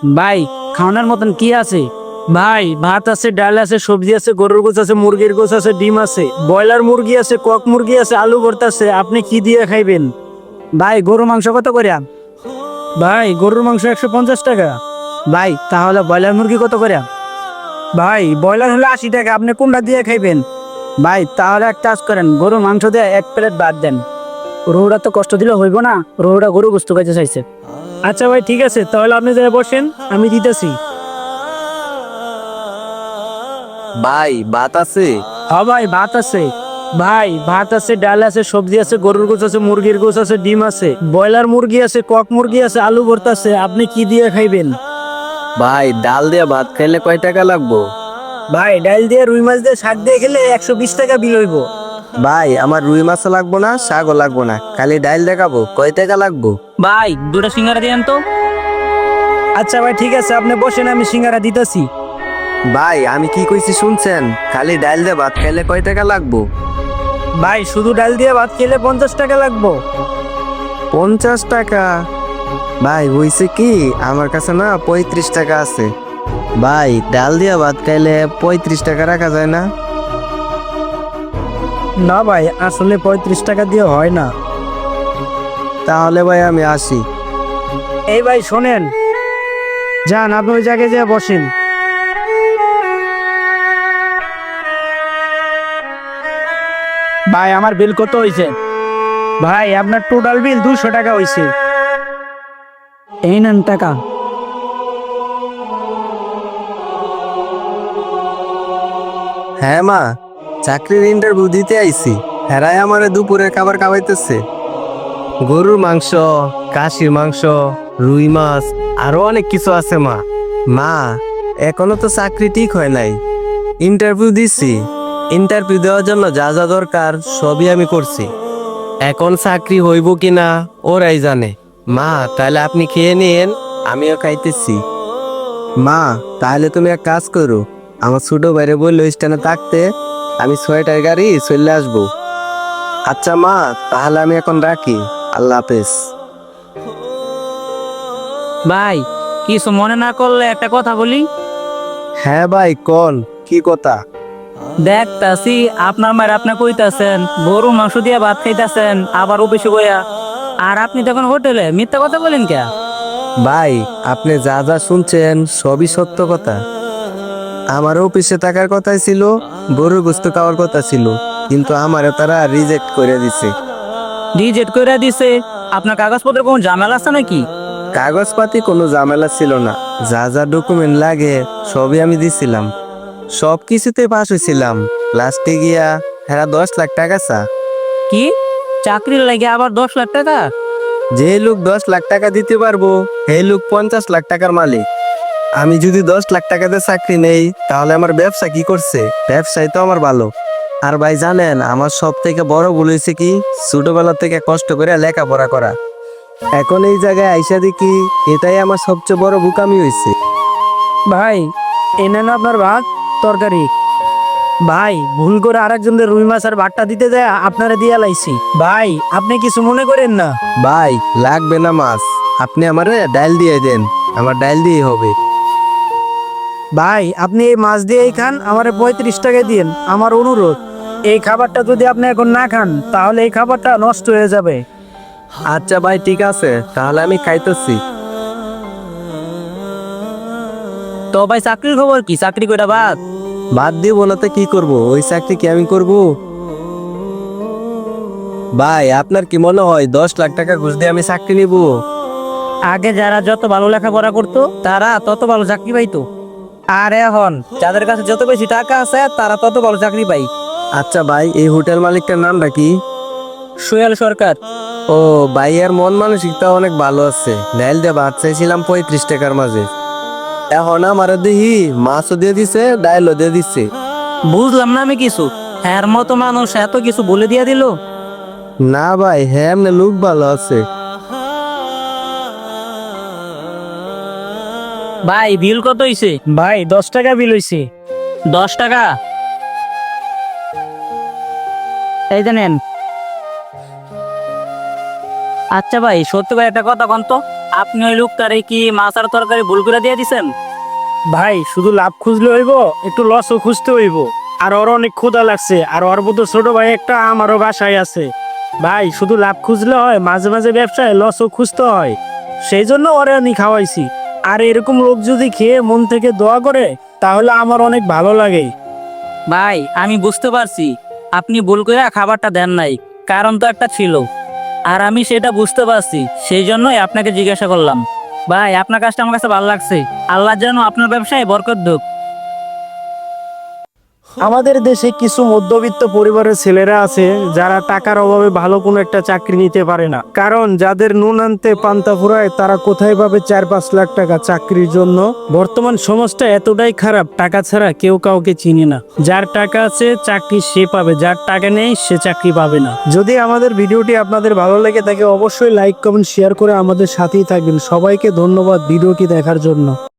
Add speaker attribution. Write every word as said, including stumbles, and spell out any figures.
Speaker 1: ভাই খাওয়ানোর মতন কি আছে? ভাই ভাত আছে, ডাল আছে, সবজি আছে, গরুর গোছ আছে, মুরগির গোছ আছে, ডিম আছে, ব্রয়লার মুরগি আছে, কক মুরগি আছে, আলু ভর্তা আছে। আপনি কি দিয়ে খাইবেন? ভাই গরুর মাংস কত করে? ভাই গরুর মাংস একশো পঞ্চাশ টাকা। ভাই তাহলে ব্রয়লার মুরগি কত করে? ভাই ব্রয়লার হলে আশি টাকা। আপনি কোনটা দিয়ে খাইবেন? ভাই তাহলে এক কাজ করেন, গরুর মাংস দিয়ে এক প্লেট ভাত দেন। রোহুরা তো কষ্ট দিলে হইব না, রোহুরা গরু গোস্ত খাইতে চাইছে। আচ্ছা ভাই ঠিক আছে, তাহলে আপনি যাই বসেন, আমি দিতেছি।
Speaker 2: ভাই ভাত আছে?
Speaker 1: হ্যাঁ ভাই ভাত আছে। ভাই ভাত আছে, ডাল আছে, সবজি আছে, গরুর গোছ আছে, মুরগির গোছ আছে, ডিম আছে, ব্রয়লার মুরগি আছে, কক মুরগি আছে, আলু ভর্তা আছে। আপনি কি দিয়ে খাইবেন?
Speaker 2: ভাই ডাল দিয়ে ভাত খাইলে কয় টাকা লাগবো?
Speaker 1: ভাই ডাল দিয়ে, রুই মাছ দিয়ে, শাক দিয়ে খেলে একশো বিশ টাকা বিল হইব।
Speaker 2: ভাই আমার রুই মাছ লাগবো না, শাকও লাগবো না, খালি ডাল দেখাবো, কয় টাকা লাগবো?
Speaker 1: ভাই দুটা সিঙ্গারা দিয়েন তো। আচ্ছা ভাই ঠিক আছে, আপনি বসেন, আমি সিঙ্গারা দিতেছি।
Speaker 2: ভাই আমি কি কইছি শুনছেন? খালি ডাল দিয়ে ভাত খাইলে কয় টাকা লাগবো?
Speaker 1: ভাই শুধু ডাল দিয়ে ভাত খেলে পঞ্চাশ টাকা লাগবো।
Speaker 2: পঞ্চাশ টাকা? ভাই হইছে কি, আমার কাছে না পঁয়ত্রিশ টাকা আছে। ভাই ডাল দিয়ে ভাত খাইলে পঁয়ত্রিশ টাকা রাখা যায় না?
Speaker 1: না ভাই, আসলে পঁয়ত্রিশ টাকা দিয়ে হয় না।
Speaker 2: তাহলে ভাই আমি আসি।
Speaker 1: এই ভাই শোনেন, যান আপনি ওই জায়গায় যেয়ে বসেন। ভাই আমার বিল কত হয়েছে? ভাই আপনার টোটাল বিল দুশো টাকা হয়েছে। এই নেন টাকা।
Speaker 2: হ্যাঁ মা, চাকরির ইন্টারভিউ দিতে আইছি। হেরাই আমারে দুপুরের খাবার খাওয়াইতেছে। গরুর মাংস, কাশির মাংস, রুই মাছ, আরো অনেক কিছু আছে মা। মা এখনো তো চাকরি ঠিক হয় নাই। ইন্টারভিউ দিছি, ইন্টারভিউ দেওয়ার জন্য যা যা দরকার সবই আমি করছি। এখন চাকরি হইব কিনা ওরাই জানে। মা তাহলে আপনি খেয়ে নিন, আমিও খাইতেছি। মা তাহলে তুমি এক কাজ করো, আমার ছোট বাইরে বললো স্ট্যান্ডে থাকতে, আমি ছয়টার গাড়ি চলে আসবো। আচ্ছা মা, তাহলে আমি এখন রাখি। আল্লাহ হাফেজ।
Speaker 1: ভাই কিছু মনে না করলে একটা কথা বলি।
Speaker 2: হ্যাঁ ভাই কোন, কি কথা?
Speaker 1: দেখতাছি আপনার মায়ের আপনি কইতাছেন গরু মাংস দিয়ে ভাত খাইতাছেন, আবার অফিসে গইয়া। আর আপনি তখন হোটেলে মিথ্যা কথা বলেন কে?
Speaker 2: ভাই আপনি যা যা শুনছেন সবই সত্য কথা। আমার অফিসে থাকার কথাই ছিল, গরুর গোস্ত খাওয়ার কথা ছিল, কিন্তু আমারে তারা রিজেক্ট করে দিছে।
Speaker 1: রিজেক্ট করে দিছে? আপনার কাগজপত্র কোনো ঝামেলা আছে নাকি?
Speaker 2: কাগজপাতি কোনো ঝামেলা ছিল না, যা যা ডকুমেন্ট লাগে সবই আমি দিছিলাম, সব কিছুতে পাস হয়েছিলাম। লাস্টে গিয়া হেরা দশ লাখ টাকা চা।
Speaker 1: কি চাকরির লাগে আবার দশ লাখ টাকা?
Speaker 2: যে লোক দশ লাখ টাকা দিতে পারবো সেই লোক পঞ্চাশ লাখ টাকার মালিক। আমি যদি দশ লাখ টাকাতে চাকরি নেই তাহলে আমার ব্যবসা কি করছে? ব্যবসায় তো আমার ভালো। আর ভাই জানেন আমার সব থেকে বড় ভুল হয়েছে কি, ছোটবেলা থেকে কষ্ট করে লেখাপড়া করা। এখন এই জায়গায় আইসা দেখি এটাই আমার সবচেয়ে বড় বোকামি হয়েছে।
Speaker 1: ভাই এনেন আপনার ভাত তরকারি। ভাই ভুল করে আরেকজনদের রুই মাছ আর ভাতটা দিতে যায় আপনারা দিয়ে লাইছি। ভাই আপনি কিছু মনে করেন না।
Speaker 2: ভাই লাগবে না মাছ, আপনি আমারে ডাল দিয়ে দেন, আমার ডাল দিয়ে হবে।
Speaker 1: ভাই আপনি এই মাছ দিয়েই খান, আমারে পঁয়ত্রিশ টাকা দিন, আমার অনুরোধ। এই খাবারটা যদি আপনি এখন না খান তাহলে এই খাবারটা নষ্ট হয়ে যাবে।
Speaker 2: আচ্ছা ভাই ঠিক আছে, তাহলে আমি খাইতেছি।
Speaker 1: তো ভাই চাকরির খবর কি? চাকরি কইরা বাদ?
Speaker 2: বাদ দিব না তো কি করব, ওই চাকরি কি আমি করব? ভাই আপনার কি মনে হয় দশ লাখ টাকা ঘুষ দিয়ে আমি চাকরি নিব?
Speaker 1: আগে যারা যত ভালো লেখাপড়া করতো তারা তত ভালো চাকরি পাইতো, আর এখন যাদের কাছে যত বেশি টাকা আছে তারা তত ভালো চাকরি পাই।
Speaker 2: আচ্ছা ভাই এই হোটেল মালিকটার নামটা কি?
Speaker 1: সোহেল সরকার।
Speaker 2: ও ভাই, এর মন মানসিকতা অনেক ভালো আছে। ডাইল দিয়ে ভাত চাইছিলাম পঁয়ত্রিশ টাকার মাঝে, এখন আমার দেখি মাছও দিয়ে দিছে, ডাইলও দিয়ে দিচ্ছে।
Speaker 1: বুঝলাম না আমি কিছু। হ্যার মতো মানুষ এত কিছু বলে দিয়া দিল।
Speaker 2: না ভাই, হ্যাঁ এমনি লোক ভালো আছে।
Speaker 1: ভাই বিল কত হইছে? ভাই দশ টাকা বিল হইছে। দশ টাকা? এই যে নেন। আচ্ছা ভাই সত্যি করে একটা কথা কন তো,
Speaker 3: আপনি ওই লোকটারে কি মাছ আর তরকারি ভুল করে দিয়ে দিছেন?
Speaker 1: ভাই শুধু লাভ খুঁজলে হইব, একটু লসও খুঁজতে হইব। আর ওর অনেক ক্ষুধা লাগছে, আর ওর মতো ছোট ভাই একটা আমারও বাসায় আছে। ভাই শুধু লাভ খুঁজলে হয়, মাঝে মাঝে ব্যবসায় লসও খুঁজতে হয়। সেই জন্য ওরে আমি খাওয়াইছি। আর এরকম লোক যদি খেয়ে মন থেকে দোয়া করে তাহলে আমার অনেক ভালো লাগে।
Speaker 3: ভাই আমি বুঝতে পারছি আপনি ভুল করে খাবারটা দেন নাই, কারণ তো একটা ছিল। আর আমি সেটা বুঝতে পারছি, সেই জন্যই আপনাকে জিজ্ঞাসা করলাম। ভাই আপনার কাজটা আমার কাছে ভালো লাগছে। আল্লাহ যেন আপনার ব্যবসায় বরকত দুক।
Speaker 1: আমাদের দেশে কিছু মধ্যবিত্ত পরিবারের ছেলেরা আছে যারা টাকার অভাবে ভালো কোনো একটা চাকরি নিতে পারে না, কারণ যাদের নুন আনতে পান্তা ফুরায় তারা কোথায় পাবে চার পাঁচ লাখ টাকা চাকরির জন্য। বর্তমান সমাজটা এতটাই খারাপ, টাকা ছাড়া কেউ কাউকে চিনে না। যার টাকা আছে চাকরি সে পাবে, যার টাকা নেই সে চাকরি পাবে না। যদি আমাদের ভিডিওটি আপনাদের ভালো লেগে থাকে অবশ্যই লাইক কমেন্ট শেয়ার করে আমাদের সাথেই থাকবেন। সবাইকে ধন্যবাদ ভিডিওটি দেখার জন্য।